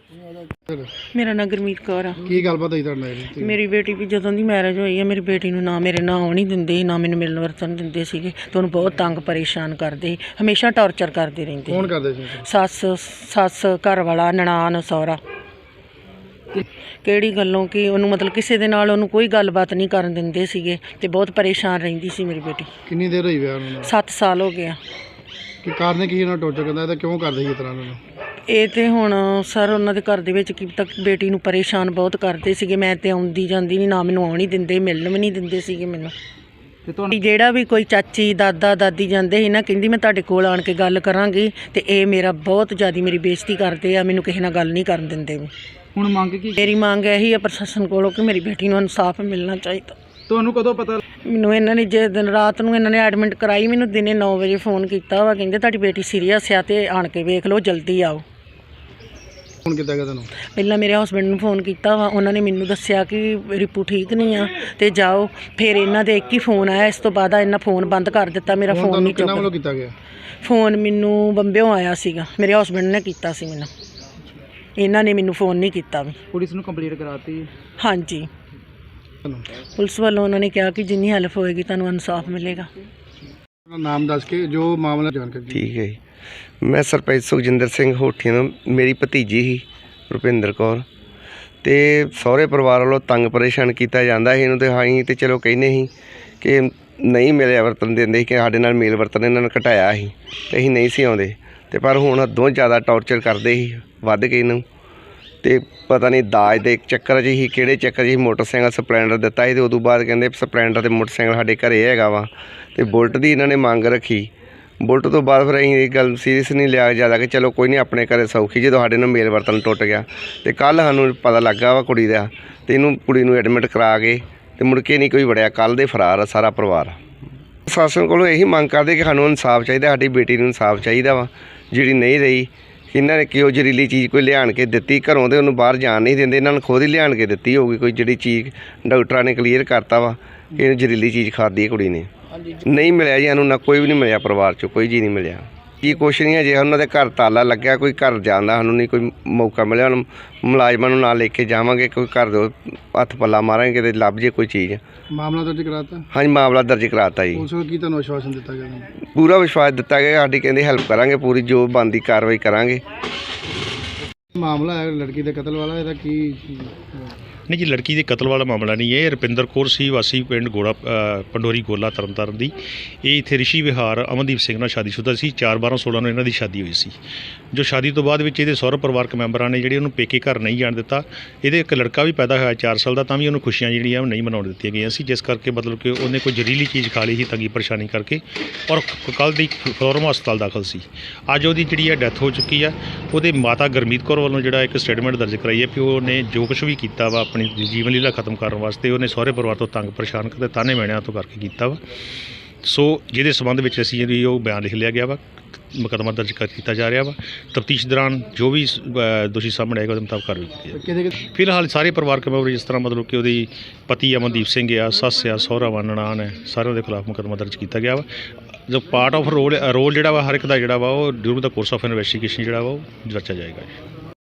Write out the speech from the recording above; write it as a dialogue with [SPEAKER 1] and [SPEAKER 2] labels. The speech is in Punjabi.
[SPEAKER 1] मेरा नाम गुरमीत कौर आ।
[SPEAKER 2] ਕੀ ਗੱਲਬਾਤ ਹੋਈ ਤੁਹਾਡੇ ਨਾਲ?
[SPEAKER 1] मेरी बेटी भी जदों दी मैरिज होई है मेरी बेटी नूं ना मेरे नां आउण नहीं दिंदे ना मैनूं मिलन वरतन दिंदे सीगे ते उहनूं बहुत तंग परेशान करदे हमेशा टॉर्चर करदे रहिंदे।
[SPEAKER 2] ਕੌਣ ਕਰਦੇ ਸੀ?
[SPEAKER 1] सस घर वाला ननान सौरा ਕਿਹੜੀ ਗੱਲੋਂ ਕਿ ਉਹਨੂੰ ਮਤਲਬ ਕਿਸੇ ਦੇ ਨਾਲ ਉਹਨੂੰ ਕੋਈ ਗੱਲਬਾਤ ਨਹੀਂ ਕਰਨ ਦਿੰਦੇ ਸੀਗੇ ਤੇ ਬਹੁਤ ਪਰੇਸ਼ਾਨ ਰਹਿੰਦੀ ਸੀ ਮੇਰੀ ਬੇਟੀ।
[SPEAKER 2] ਕਿੰਨੀ ਦੇਰ ਹੋਈ ਵਿਆਹ ਨੂੰ?
[SPEAKER 1] 7 ਸਾਲ ਹੋ ਗਿਆ।
[SPEAKER 2] ਕਿ ਕਾਰਨ ਕੀ ਇਹਨਾਂ ਟੋਰਚਰ ਕਰਦਾ ਇਹਦਾ ਕਿਉਂ ਕਰਦੇ ਸੀ ਇਸ ਤਰ੍ਹਾਂ ਨੂੰ?
[SPEAKER 1] ਇਹ ਤੇ ਹੁਣ ਸਰ ਉਹਨਾਂ ਦੇ ਘਰ ਦੇ ਵਿੱਚ ਕੀ ਤੱਕ ਬੇਟੀ ਨੂੰ ਪਰੇਸ਼ਾਨ ਬਹੁਤ ਕਰਦੇ ਸੀਗੇ। ਮੈਂ ਤੇ ਆਉਂਦੀ ਜਾਂਦੀ ਨਹੀਂ ਨਾ ਮੈਨੂੰ ਆਉਣ ਹੀ ਦਿੰਦੇ ਮਿਲਣ ਵੀ ਨਹੀਂ ਦਿੰਦੇ ਸੀਗੇ ਮੈਨੂੰ। ਤੇ ਜਿਹੜਾ ਵੀ ਕੋਈ ਚਾਚੀ ਦਾਦਾ ਦਾਦੀ ਜਾਂਦੇ ਸੀ ਨਾ ਕਹਿੰਦੀ ਮੈਂ ਤੁਹਾਡੇ ਕੋਲ ਆਣ ਕੇ ਗੱਲ ਕਰਾਂਗੀ ਤੇ ਇਹ ਮੇਰਾ ਬਹੁਤ ਜ਼ਿਆਦਾ ਮੇਰੀ ਬੇਇੱਜ਼ਤੀ ਕਰਦੇ ਆ ਮੈਨੂੰ ਕਿਸੇ ਨਾਲ ਗੱਲ ਨਹੀਂ ਕਰਨ ਦਿੰਦੇ।
[SPEAKER 2] ਹੁਣ ਮੰਗ ਕੀ?
[SPEAKER 1] ਮੇਰੀ ਮੰਗ ਇਹੀ ਆ ਪ੍ਰਸ਼ਾਸਨ ਕੋਲੋਂ ਕਿ ਮੇਰੀ ਬੇਟੀ ਨੂੰ ਇਨਸਾਫ ਮਿਲਣਾ ਚਾਹੀਦਾ।
[SPEAKER 2] ਤੁਹਾਨੂੰ ਕਦੋਂ ਪਤਾ?
[SPEAKER 1] ਮੈਨੂੰ ਇਹਨਾਂ ਨੇ ਜੇ ਦਿਨ ਰਾਤ ਨੂੰ ਇਹਨਾਂ ਨੇ ਐਡਮਿਟ ਕਰਾਈ ਮੈਨੂੰ ਦਿਨੇ 9 ਵਜੇ ਫੋਨ ਕੀਤਾ ਵਾ ਕਹਿੰਦੇ ਤੁਹਾਡੀ ਬੇਟੀ ਸੀਰੀਅਸ ਆ ਤੇ ਆਣ ਕੇ ਵੇਖ ਲਓ ਜਲਦੀ ਆਓ।
[SPEAKER 2] ਫੋਨ ਕੀਤਾ ਗਿਆ ਤੁਹਾਨੂੰ?
[SPEAKER 1] ਪਹਿਲਾਂ ਮੇਰੇ ਹਸਬੈਂਡ ਨੂੰ ਫੋਨ ਕੀਤਾ ਵਾ ਉਹਨਾਂ ਨੇ ਮੈਨੂੰ ਦੱਸਿਆ ਕਿ ਰਿਪੂ ਠੀਕ ਨਹੀਂ ਆ ਤੇ ਜਾਓ। ਫਿਰ ਇਹਨਾਂ ਦੇ ਇੱਕ ਹੀ ਫੋਨ ਆਇਆ ਇਸ ਤੋਂ ਬਾਅਦ ਇਹਨਾਂ ਫੋਨ ਬੰਦ ਕਰ ਦਿੱਤਾ ਮੇਰਾ ਫੋਨ ਨਹੀਂ
[SPEAKER 2] ਕਿਹਨਾਂ ਵੱਲੋਂ ਕੀਤਾ ਗਿਆ?
[SPEAKER 1] ਫੋਨ ਮੈਨੂੰ ਬੰਬਿਓਂ ਆਇਆ ਸੀਗਾ ਮੇਰੇ ਹਸਬੈਂਡ ਨੇ ਕੀਤਾ ਸੀ ਮੈਨੂੰ ਇਹਨਾਂ ਨੇ ਮੈਨੂੰ ਫੋਨ ਨਹੀਂ ਕੀਤਾ ਵੀ।
[SPEAKER 2] ਪੁਲਿਸ ਨੂੰ ਕੰਪਲੀਟ ਕਰਾਤੀ?
[SPEAKER 1] ਹਾਂਜੀ ਪੁਲਿਸ ਵੱਲੋਂ ਉਹਨਾਂ ਨੇ ਕਿਹਾ ਕਿ ਜਿੰਨੀ ਹੈਲਪ ਹੋਏਗੀ ਤੁਹਾਨੂੰ ਇਨਸਾਫ ਮਿਲੇਗਾ।
[SPEAKER 2] ਨਾਮ ਦੱਸ ਕੇ ਜੋ ਮਾਮਲਾ ਜਾਣਕਾਰੀ।
[SPEAKER 3] ਠੀਕ ਹੈ ਜੀ, ਮੈਂ ਸਰਪੰਚ ਸੁਖਜਿੰਦਰ ਸਿੰਘ ਹੋਠੀਆਂ ਤੋਂ ਮੇਰੀ ਭਤੀਜੀ ਸੀ ਰੁਪਿੰਦਰ ਕੌਰ ਤੇ ਸਹੁਰੇ ਪਰਿਵਾਰ ਵੱਲੋਂ ਤੰਗ ਪਰੇਸ਼ਾਨ ਕੀਤਾ ਜਾਂਦਾ ਸੀ ਇਹਨੂੰ ਤੇ ਅਸੀਂ ਤੇ ਚਲੋ ਕਹਿੰਦੇ ਸੀ ਕਿ ਨਹੀਂ ਮਿਲਿਆ ਵਰਤਨ ਦਿੰਦੇ ਕਿ ਸਾਡੇ ਨਾਲ ਮੇਲ ਵਰਤਨ ਇਹਨਾਂ ਨੇ ਘਟਾਇਆ ਸੀ ਤੇ ਅਸੀਂ ਨਹੀਂ ਸੀ ਆਉਂਦੇ ਤੇ ਪਰ ਹੁਣ ਹੱਦੋਂ ਜ਼ਿਆਦਾ ਟੌਰਚਰ ਕਰਦੇ ਸੀ ਵੱਧ ਕੇ ਇਹਨੂੰ ਤੇ ਪਤਾ ਨਹੀਂ ਦਾਜ ਦੇ ਚੱਕਰ 'ਚ ਹੀ ਕਿਹੜੇ ਚੱਕਰ 'ਚ ਹੀ ਮੋਟਰਸਾਈਕਲ ਸਪਲੈਂਡਰ ਦਿੱਤਾ ਸੀ ਤੇ ਉਦੋਂ ਬਾਅਦ ਕਹਿੰਦੇ ਸਪਲੈਂਡਰ ਤੇ ਮੋਟਰਸਾਈਕਲ ਸਾਡੇ ਘਰੇ ਹੈਗਾ ਵਾ ਤੇ ਬੁਲਟ ਦੀ ਇਹਨਾਂ ਨੇ ਮੰਗ ਰੱਖੀ। ਬੁਲਟ ਤੋਂ ਬਾਅਦ ਫਿਰ ਅਸੀਂ ਇਹ ਗੱਲ ਸੀਰੀਅਸ ਨਹੀਂ ਲਿਆ ਜ਼ਿਆਦਾ ਕਿ ਚਲੋ ਕੋਈ ਨਹੀਂ ਆਪਣੇ ਘਰੇ ਸੌਖੀ ਜਦੋਂ ਸਾਡੇ ਨਾਲ ਮੇਲ ਵਰਤਨ ਟੁੱਟ ਗਿਆ ਤੇ ਕੱਲ੍ਹ ਸਾਨੂੰ ਪਤਾ ਲੱਗਾ ਵਾ ਕੁੜੀ ਦਾ ਤੇ ਇਹਨੂੰ ਕੁੜੀ ਨੂੰ ਐਡਮਿਟ ਕਰਾ ਕੇ ਤੇ ਮੁੜ ਕੇ ਨਹੀਂ ਕੋਈ ਵੜਿਆ। ਕੱਲ੍ਹ ਦੇ ਫਰਾਰ ਆ ਸਾਰਾ ਪਰਿਵਾਰ। ਪ੍ਰਸ਼ਾਸਨ ਕੋਲੋਂ ਇਹੀ ਮੰਗ ਕਰਦੇ ਕਿ ਸਾਨੂੰ ਇਨਸਾਫ ਚਾਹੀਦਾ ਸਾਡੀ ਬੇਟੀ ਨੂੰ ਇਨਸਾਫ ਚਾਹੀਦਾ ਵਾ ਜਿਹੜੀ ਨਹੀਂ ਰਹੀ। ਇਹਨਾਂ ਨੇ ਕਿਉਂ ਜ਼ਹਿਰੀਲੀ ਚੀਜ਼ ਕੋਈ ਲਿਆਣ ਕੇ ਦਿੱਤੀ ਘਰੋਂ ਤੇ ਉਹਨੂੰ ਬਾਹਰ ਜਾਣ ਨਹੀਂ ਦਿੰਦੇ ਇਹਨਾਂ ਨੂੰ ਖੁਦ ਹੀ ਲਿਆਣ ਕੇ ਦਿੱਤੀ ਹੋਊਗੀ ਕੋਈ ਜਿਹੜੀ ਚੀਜ਼ ਡਾਕਟਰਾਂ ਨੇ ਕਲੀਅਰ ਕਰਤਾ ਵਾ ਕਿ ਇਹਨੂੰ ਜ਼ਹਿਰੀਲੀ ਚੀਜ਼ ਖਾਧੀ ਹੈ ਕੁੜੀ ਨੇ। ਨਹੀਂ ਮਿਲਿਆ ਜੀ ਸਾਨੂੰ ਨਾ ਕੋਈ ਵੀ ਨਹੀਂ ਮਿਲਿਆ ਪਰਿਵਾਰ 'ਚੋਂ ਕੋਈ ਜੀ ਨਹੀਂ ਮਿਲਿਆ ਜੀ ਕੁਛ ਨਹੀਂ ਹੈ। ਜੇ ਉਹਨਾਂ ਦੇ ਘਰ ਤਾਲਾ ਲੱਗਿਆ ਕੋਈ ਘਰ ਜਾਣ ਦਾ ਸਾਨੂੰ ਨਹੀਂ ਕੋਈ ਮੌਕਾ ਮਿਲਿਆ। ਹੁਣ ਮੁਲਾਜ਼ਮਾਂ ਨੂੰ ਨਾਲ ਲੈ ਕੇ ਜਾਵਾਂਗੇ ਕੋਈ ਘਰ ਦੇ ਹੱਥ ਪੱਲਾ ਮਾਰਾਂਗੇ ਕਿਤੇ ਲੱਭ ਜੇ ਕੋਈ ਚੀਜ਼।
[SPEAKER 2] ਮਾਮਲਾ ਦਰਜ ਕਰਾਤਾ?
[SPEAKER 3] ਹਾਂਜੀ ਮਾਮਲਾ ਦਰਜ ਕਰਾਤਾ ਜੀ।
[SPEAKER 2] ਉਸ ਨੂੰ ਕੀ ਤੁਹਾਨੂੰ ਆਸ਼ਵਾਸਨ ਦਿੱਤਾ ਗਿਆ?
[SPEAKER 3] ਪੂਰਾ ਵਿਸ਼ਵਾਸ ਦਿੱਤਾ ਗਿਆ ਸਾਡੀ ਕਹਿੰਦੇ ਹੈਲਪ ਕਰਾਂਗੇ ਪੂਰੀ ਜੋ ਬਣਦੀ ਕਾਰਵਾਈ ਕਰਾਂਗੇ।
[SPEAKER 2] ਮਾਮਲਾ ਹੈ ਲੜਕੀ ਦੇ ਕਤਲ ਵਾਲਾ ਇਹਦਾ ਕੀ?
[SPEAKER 4] नहीं जी, लड़की के कतल वाला मामला नहीं है। रुपिंदर कौर सी वासी पिंड गोड़ा पंडोरी गोला तरनताਰਨ ਦੀ। ਇਹ ਇੱਥੇ ਰਿਸ਼ੀ ਵਿਹਾਰ ਅਮਨਦੀਪ ਸਿੰਘ ਨਾਲ ਸ਼ਾਦੀशुदा ਸੀ। 4/12/16 ਨੂੰ ਇਹਨਾਂ ਦੀ ਸ਼ਾਦੀ ਹੋਈ ਸੀ। ਜੋ ਸ਼ਾਦੀ ਤੋਂ ਬਾਅਦ ਵਿੱਚ ਇਹਦੇ ਸਹੁਰਾ ਪਰਿਵਾਰਕ ਮੈਂਬਰਾਂ ਨੇ ਜਿਹੜੇ ਉਹਨੂੰ ਪੇਕੇ ਘਰ ਨਹੀਂ ਜਾਣ ਦਿੱਤਾ। ਇਹਦੇ ਇੱਕ ਲੜਕਾ ਵੀ ਪੈਦਾ ਹੋਇਆ 4 ਸਾਲ ਦਾ ਤਾਂ ਵੀ ਉਹਨੂੰ ਖੁਸ਼ੀਆਂ ਜਿਹੜੀਆਂ ਨਹੀਂ ਮਨਾਉਣ ਦਿੱਤੀਆਂ ਗਈਆਂ ਸੀ ਜਿਸ ਕਰਕੇ ਮਤਲਬ ਕਿ ਉਹਨੇ ਕੋਈ ਜ਼ਹਿਰੀਲੀ ਚੀਜ਼ ਖਾ ਲਈ ਸੀ ਤੰਗੀ ਪਰੇਸ਼ਾਨੀ ਕਰਕੇ ਔਰ ਕੱਲ੍ਹ ਦੀ ਫਲੋਰਮਾ ਹਸਪਤਾਲ ਦਾਖਲ ਸੀ। ਅੱਜ ਉਹਦੀ ਜਿਹੜੀ ਹੈ ਡੈਥ ਹੋ ਚੁੱਕੀ ਆ। ਉਹਦੇ ਮਾਤਾ ਗੁਰਮੀਤ ਕੌਰ ਵੱਲੋਂ ਜਿਹੜਾ ਇੱਕ ਸਟੇਟਮੈਂਟ ਦਰਜ ਕਰਾਈ ਹੈ ਕਿ ਉਹਨੇ ਜੋ ਕੁਛ ਵੀ ਕੀਤਾ ਵਾ ਆਪਣੀ ਜੀਵਨ ਲੀਲਾ ਖਤਮ ਕਰਨ ਵਾਸਤੇ ਉਹਨੇ ਸਹੁਰੇ ਪਰਿਵਾਰ ਤੋਂ ਤੰਗ ਪਰੇਸ਼ਾਨ ਕਰਦੇ ਤਾਨੇ ਮਿਹਣਿਆਂ ਤੋਂ ਕਰਕੇ ਕੀਤਾ ਵਾ। ਸੋ ਜਿਹਦੇ ਸੰਬੰਧ ਵਿੱਚ ਅਸੀਂ ਜਿਹੜੀ ਉਹ ਬਿਆਨ ਲਿਖ ਲਿਆ ਗਿਆ ਵਾ ਮੁਕੱਦਮਾ ਦਰਜ ਕੀਤਾ ਜਾ ਰਿਹਾ ਵਾ। ਤਫਤੀਸ਼ ਦੌਰਾਨ ਜੋ ਵੀ ਦੋਸ਼ੀ ਸਾਹਮਣੇ ਆਏਗਾ ਉਹਦੇ ਮੁਤਾਬਕ ਕਾਰਵਾਈ ਕੀਤੀ ਜਾਏਗੀ। ਫਿਲਹਾਲ ਸਾਰੇ ਪਰਿਵਾਰਕ ਮੈਂਬਰ ਜਿਸ ਤਰ੍ਹਾਂ ਮਤਲਬ ਕਿ ਉਹਦੀ ਪਤੀ ਅਮਨਦੀਪ ਸਿੰਘ ਆ, ਸੱਸ ਆ, ਸਹੁਰਾ ਵਾ, ਨਨਾਣ ਹੈ, ਸਾਰਿਆਂ ਦੇ ਖਿਲਾਫ ਮੁਕੱਦਮਾ ਦਰਜ ਕੀਤਾ ਗਿਆ ਵਾ। ਜੋ ਪਾਰਟ ਆਫ ਰੋਲ ਜਿਹੜਾ ਵਾ ਹਰ ਇੱਕ ਦਾ ਜਿਹੜਾ ਵਾ ਉਹ ਡਿਊਰਿੰਗ ਦਾ ਕੋਰਸ ਆਫ ਇਨਵੈਸਟੀਗੇਸ਼ਨ ਜਿਹੜਾ ਵਾ ਉਹ ਜਾਂਚਿਆ ਜਾਏਗਾ।